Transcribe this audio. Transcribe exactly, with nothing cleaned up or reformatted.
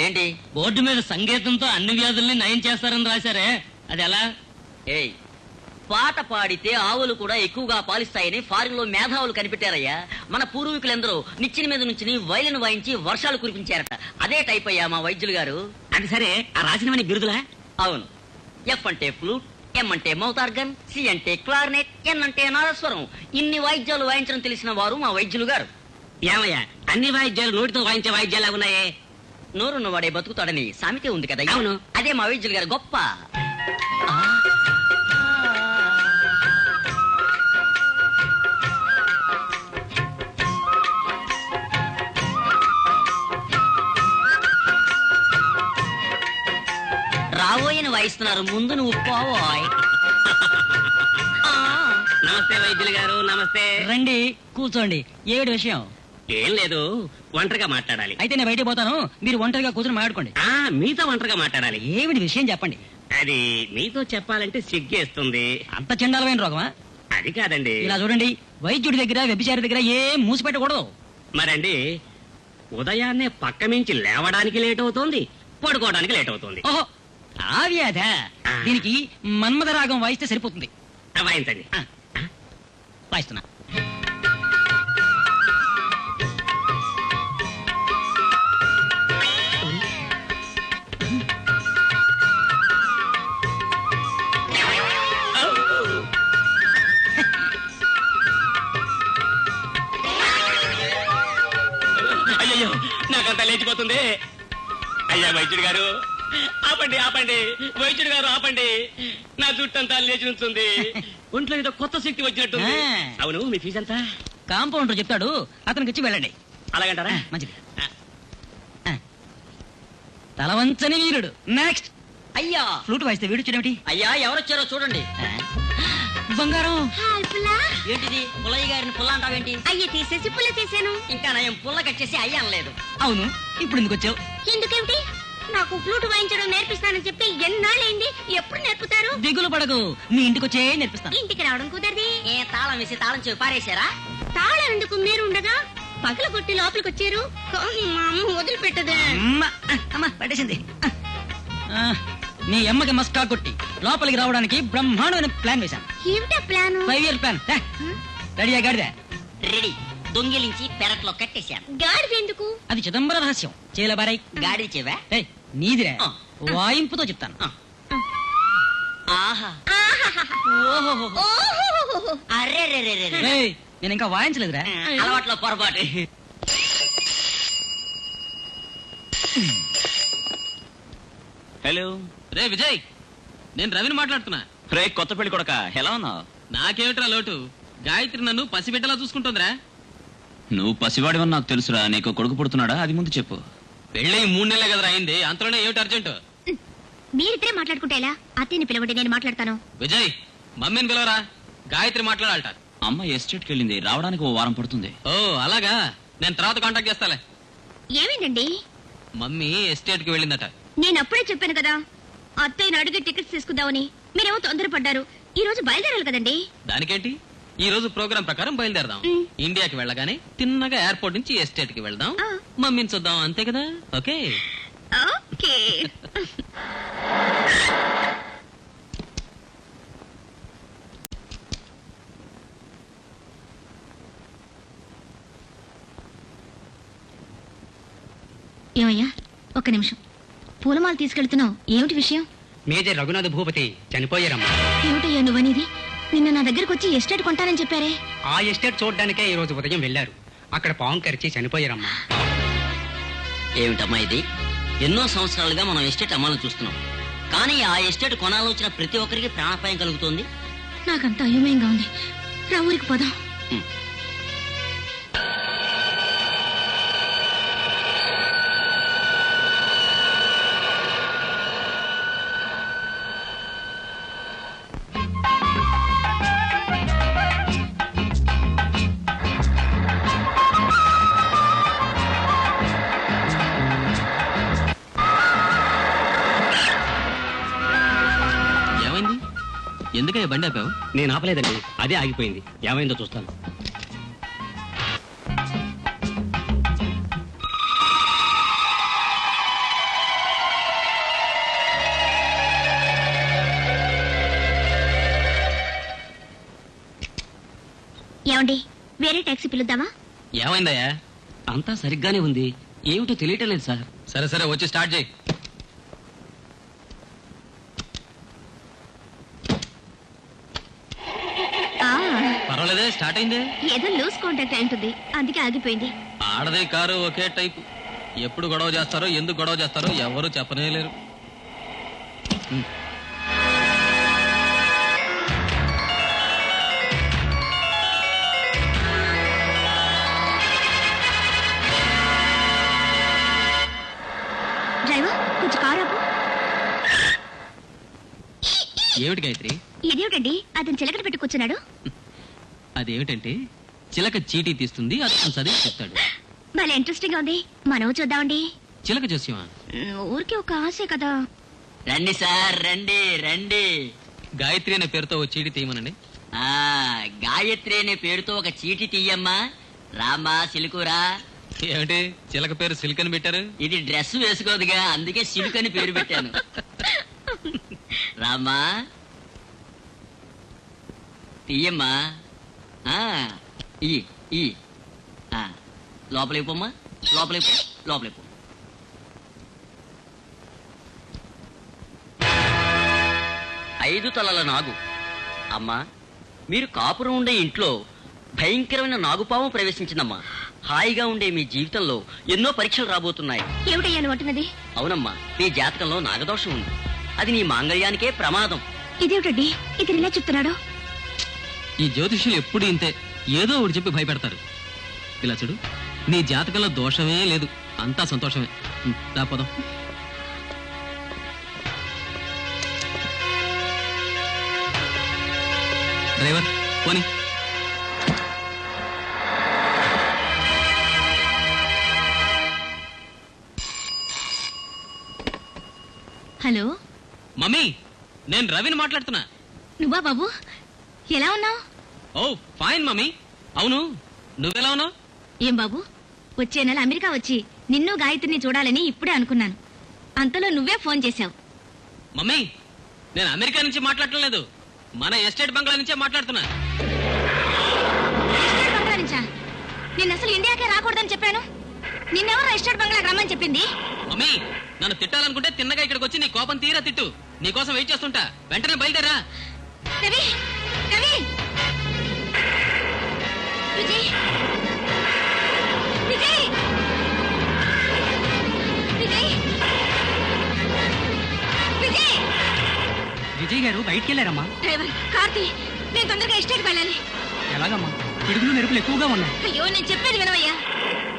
ఏంటి? బోర్డు మీద సంగీతంతో అన్ని వ్యాధుల్ని నయం చేస్తారని రాశారే, అది ఎలా? ఏయ్, పాట పాడితే ఆవులు కూడా ఎక్కువగా పాలిస్తాయని ఫారిన్ లో మేధావులు కనిపెట్టారయ్యా. మన పూర్వీకులందరూ నిచ్చిన మీద నుంచి వైలిన్ వాయించి వర్షాలు కురిపించారట. అదే టైప్ అయ్యా మా వైద్యులు గారు. అది సరే, ఆ రాసినవని బిరుదులా? అవును. ఎఫ్ అంటే ఫ్లూట్, ఎం అంటే మౌత్ ఆర్గన్, సి అంటే క్లార్నెట్, ఎన్ అంటే నాదస్వరం. ఇన్ని వాయిద్యాలు వాయించడం తెలిసిన వారు మా వైద్యులు గారు. ఏమయ్యా, అన్ని వాయిద్యాలు నోటితో వాయించే వాయిద్యాలు ఉన్నాయే? నోరున్న వాడే బతుకుతాడని సామెతే ఉంది కదా. అవును. అదే మా వైద్యులు గారు గొప్ప. రాబోయని వాయిస్తున్నారు, ముందు నువ్వు పోవోయ్. నమస్తే వైద్యులు గారు. నమస్తే. రండి, కూర్చోండి. ఏమిటి విషయం? ఏం లేదు, ఒంటరిగా మాట్లాడాలి. అయితే నేను బయటికి పోతాను, మీరు ఒంటరిగా కూర్చొని మాట్లాడుకోండి. ఆ మీతో ఒంటరిగా మాట్లాడాలి. ఏమిటి విషయం చెప్పండి. అది మీతో చెప్పాలంటే సిగ్గేస్తుంది. అంత చండాలమైన రోగమా? అది కాదండి. ఇలా చూడండి, వైద్యుడి దగ్గర వ్యభిచారి దగ్గర ఏం మూసి పెట్టకూడదు. మరండి, ఉదయాన్నే పక్క మించి లేవడానికి లేట్ అవుతోంది, పడుకోవడానికి లేట్ అవుతుంది. ఓహో, ఆ వ్యాధ. దీనికి మన్మథ రాగం వాయిస్తే సరిపోతుంది. వాయించండి. వాయిస్తున్నా. అయ్యో, నాకంతా లేచిపోతుంది. అయ్యా వైద్యుడు గారు, ఆపండి ఆపండి. వైద్యుడు గారు ఆపండి. నా జుట్టంతా లేచి ఉంటుంది. ఒంట్లో ఏదో కొత్త శక్తి వచ్చినట్టుంది. అవును, మీ ఫీజు ఎంత? కాంపౌండర్ చెప్తాడు, అతనికి ఇచ్చి వెళ్ళండి. అలాగంటారా? మంచిది. తలవంచని వీరుడు. నెక్స్ట్. అయ్యా, ఫ్లూట్ వాయిస్తే వీడు చూడేమిటి? అయ్యా ఎవరొచ్చారో చూడండి. బంగారం. ఏంటిది? పుల్లయ్య గారిని పుల్ల అంటావేంటి? అయ్యి తీసేసి పుల్ల చేశాను. ఇంకా నయం పుల్ల కట్టేసి అయ్యా అనలేదు. అవును, ఇప్పుడు ఎందుకు వచ్చావు? ఎందుకేమిటి? నాకు ఫ్లూట్ వాయించడం నేర్పిస్తానని చెప్పి ఎన్నాళ్ళైంది, ఎప్పుడు నేర్పుతారు? దిగులు పడకు, మీ ఇంటికి వచ్చే నేర్పిస్తాను. ఇంటికి రావడం కుదరది. ఏ తాళం వేసి తాళం చెవి పారేశారా? తాళం ఎందుకు, మీరు ఉండగా పగల కొట్టి లోపలికి వచ్చారు. కానీ మా అమ్మ వదిలిపెట్టదే. అమ్మ, అమ్మ పట్టేసింది. ఆ, నీ అమ్మకి మస్కా కొట్టి లోపలికి రావడానికి బ్రహ్మాండమైన ప్లాన్ వేశాను. ఏమిటా ప్లాన్? Five year plan. రెడీయా గాడిద? రెడీ. దొంగిలించి పెరట్లో కట్టేశాను. గాడిద ఎందుకు? అది చిదంబర రహస్యం. చేలబారై. గాడి చెవా? ఏయ్, నీదిరా. ఆ. వాయింపుతో చెప్తాను. ఆహా, ఓహో. ఓహో, అరే రే రే రే. ఏయ్, నేను ఇంకా వాయించలేదురా. అలవాట్లో పొరపాటు. హలో రే విజయ్, నేను రవిని మాట్లాడుతున్నా. రే కొత్త పెళ్లి కొడక, ఎలా ఉన్నావు? నాకేమిట్రా లోటు? గాయత్రి నన్ను పసిబిడ్డలా చూసుకుంటుందిరా. నువ్వు పసివాడివని నాకు తెలుసురా. నీకు కొడుకు పుడుతున్నాడా? అది ముందు చెప్పు. పెళ్ళై మూడు నెలలే కదరా అయింది, అంతలోనే ఏమిటి అర్జెంటు? మీరిద్దరే మాట్లాడుకుంటే ఎలా? అత్తయ్యని పిలవండి, నేను మాట్లాడతాను. విజయ్, మమ్మీని పిలవరా, గాయత్రి మాట్లాడాలట. అమ్మ ఎస్టేట్కి వెళ్ళింది, రావడానికి ఓ వారం పడుతుంది. ఓ అలాగా, నేను తర్వాత కాంటాక్ట్ చేస్తాలే. ఏమైందండి? మమ్మీ ఎస్టేట్ కి వెళ్ళిందట. నేను అప్పుడే చెప్పాను కదా, అత్తయ్యని అడిగి టికెట్స్ తీసుకుందామని. మీరేమో తొందరపడ్డారు. ఈ రోజు బయలుదేరాలి కదండి. దానికేంటి, ఈ రోజు ప్రోగ్రామ్ ప్రకారం బయలుదేరదాం. మ్. ఇండియాకి వెళ్ళగానే తిన్నగా ఎయిర్పోర్ట్ నుంచి ఎస్టేట్ కి వెళ్దాం. ఆ. మమ్మీని చూద్దాం, అంతే కదా? ఓకే. ఓకే. ఏమయ్యా, ఒక్క నిమిషం. పూలమాల తీసుకెళ్తున్నావు, ఏమిటి విషయం? మేజర్ రఘునాథ భూపతి చనిపోయారమ్మా. ఏమిటయ్యా నువ్వనేది? నిన్న నా దగ్గరకు వచ్చి ఎస్టేట్ కొంటానని చెప్పారే. ఆ ఎస్టేట్ చూడడానికే ఈ రోజు ఉదయం వెళ్లారు. అక్కడ పాము కరిచి చనిపోయారమ్మా. ఏమిటమ్మా ఇది? ఎన్నో సంవత్సరాలుగా మనం ఎస్టేట్ అమ్మాలని చూస్తున్నాం, కానీ ఆ ఎస్టేట్ కొనాలొచ్చిన ప్రతి ఒక్కరికి ప్రాణాపాయం కలుగుతోంది. నాకంత అయోమయంగా ఉంది. రా ఊరికి పోదాం. ఎందుకయ్యా బండి ఆపావు? నేను ఆపలేదండి, అదే ఆగిపోయింది. ఏమైందో చూస్తాను. ఏమండి వేరే టాక్సీ పిలుద్దామా? ఏమైందయ్యా? అంతా సరిగ్గానే ఉంది, ఏమిటో తెలియటం లేదు సార్. సరే సరే వచ్చి స్టార్ట్ చేయి. ఆ, పర్వాలేదే, స్టార్ట్ అయిందే. ఏదో లూజ్ కాంటాక్ట్ అయి ఉంటుంది, అందుకే ఆగిపోయింది. ఆడదే కారు ఒకే టైప్. ఎప్పుడు గొడవ చేస్తారో ఎందుకు గొడవ చేస్తారో ఎవరు చెప్పనే లేరు. డ్రైవర్ కొంచెం కారు ఆపు. ఏమిటి గాయత్రి? ఇదేమిటండి అతను చిలకడ పెట్టి కూర్చున్నాడు? అదేమిటంటే చిలక చీటీ తీస్తుంది, అతను చదివి చెప్తాడు. భలే ఇంట్రెస్టింగ్ గా ఉంది, మనం చూద్దామండి. చిలక జోస్యమా? ఊరికే ఒక ఆశే కదా. రండి సార్, రండి రండి. గాయత్రి అనే పేరుతో ఓ చీటీ తీయమనండి. ఆ గాయత్రి అనే పేరుతో ఒక చీటి తీయమ్మా. రామ్మా సిలుకురా. ఏమిటి చిలక పేరు సిల్క్ అని పెట్టారు? ఇది డ్రెస్ వేసుకోదుగా, అందుకే సిలుకు అని పేరు పెట్టాను. రామ్మా తీయమ్మా. ఆ, ఈ ఈ ఆ, లోపలికి పోమ్మా, లోపలికి పో, లోపలికి పో. ఐదు తలల నాగు. అమ్మా, మీరు కాపురం ఉండే ఇంట్లో భయంకరమైన నాగుపాము ప్రవేశించిందమ్మా. హాయిగా ఉండే మీ జీవితంలో ఎన్నో పరీక్షలు రాబోతున్నాయి. ఏమిటయ్యా నువ్వు అంటున్నది? అవునమ్మా, మీ జాతకంలో నాగదోషం ఉంది. అది నీ మాంగళ్యానికే ప్రమాదం. ఇదేమిటండి ఇతను ఇలా చెప్తున్నాడు? ఈ జ్యోతిష్యులు ఎప్పుడు ఇంతే, ఏదో ఒకటి చెప్పి భయపెడతారు. ఇలా చూడు, నీ జాతకంలో దోషమే లేదు, అంతా సంతోషమే. ఉం, దా పోదాం. డ్రైవర్ పోనీ. హలో మమ్మీ, నేను రవిని మాట్లాడుతున్నా. నువ్వా బాబు? ఎలా ఉన్నావు? Oh fine mummy. అవును, నువ్వెలా ఉన్నావు? ఏం బాబు, వచ్చే నెల అమెరికా వచ్చి నిన్ను గాయత్రిని చూడాలని ఇప్పుడే అనుకున్నాను. అంతలో నువ్వే ఫోన్ చేశావు. మమ్మీ, నేను అమెరికా నుంచి మాట్లాడటం లేదు, మన ఎస్టేట్ బంగ్లా నుంచే మాట్లాడుతున్నా. ఎస్టేట్ బంగ్లా నుంచా? నేను అసలు ఇండియాకే రాకూడదని చెప్పాను. నిన్నెవరు ఎస్టేట్ బంగ్లాకి రమ్మని చెప్పింది? మమ్మీ, నన్ను తిట్టాలనుకుంటే తిన్నగా ఇక్కడికి వచ్చి నీ కోపం తీరా తిట్టు. నీ కోసం వెయిట్ చేస్తుంటా, వెంటనే బయలుదేరా. రవి, రవి, విజయ్, విజయ్, విజయ్, విజయ్. విజయ్ గారు బయటికి వెళ్ళారమ్మా. డ్రైవర్ కార్తీ, నేను తొందరగా ఎస్టేట్కి వెళ్ళాలి. ఎలాగమ్మా? పిడుగులు మెరుపులు ఎక్కువగా ఉన్నాయి. అయ్యో నేను చెప్పేది వినవయ్యా.